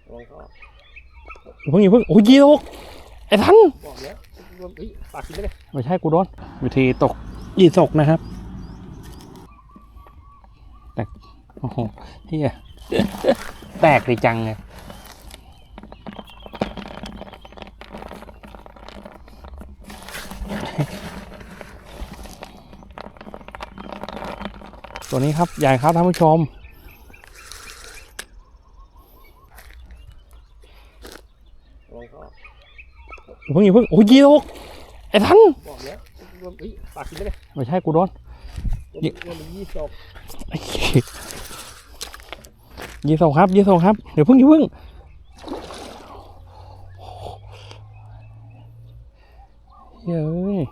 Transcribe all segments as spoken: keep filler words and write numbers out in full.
เพิ่งอย่าเพิ่งโอ้ยยีตกไอ้ทันบอกแล้วปากกินได้เลยไม่ใช่กูโดนวิธีตกยีตกนะครับแตกโอ้โหเฮียแตกเลยจังเลยตัวนี้ครับใหญ่ครับท่านผู้ชมเพิ่งอย่าเพิ่งโอ้ยยีตกไอ้ทันบอกแล้วปากกินได้เลยไม่ใช่กูโดนยี่ยี่ศพยี่ศพครับยี่ศพครับเดี๋ยวเพิ่งอย่าเพิ่งเฮ้ย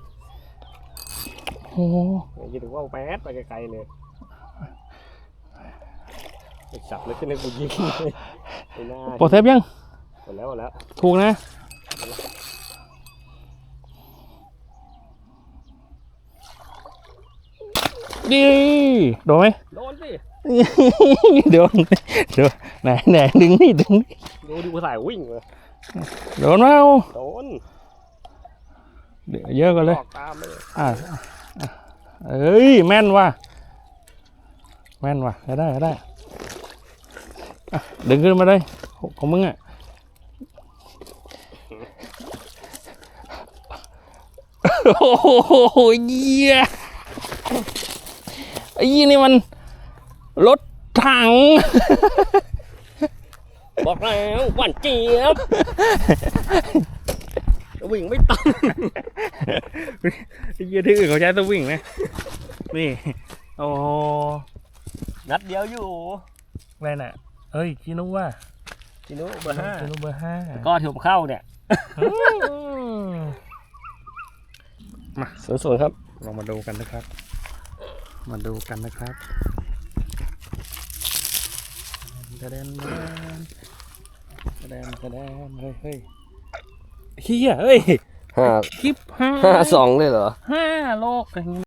โอ้ยถึงว่าแป๊ดไปไกลๆเลยจับเลยขึ้นในกูยิงเลยโปรเซฟยังหมดแล้วหมดแล้วถูกนะดีโดนไหมโดนสิโดนโดนไหนไหนดึงนี่ดึงดูดูภาษาวิ่งเลยโดนมั้ยโดนเดี๋ยวเยอะกันเลยตามเลยอ่าเอ้ยแม่นว่ะแม่นว่ะได้ได้ดึงขึ้นมาเลยของมึงอ่ะโอ้โหเยี่ยไอ้ยี่นี่มันรถถังบอกแล้วหวานเจี๊ยบวิ่งไม่ตันไอ้ยี่ที่อื่นเขาใช้ตัววิ่งนะนี่โอ้นัดเดียวอยู่แม่น่ะเอ้ยคินุว่าคินุเบอร์ห้าคินุเบอร์ห้าก็ถือเข้าเนี่ยมาสวยๆครับลองมาดูกันนะครับมาดูกันนะครับแสดงแสดงแสดงเฮ้ยเฮ้ยเฮียเฮ้ยห้าคลิปห้าห้าสองเลยเหรอห้าโลก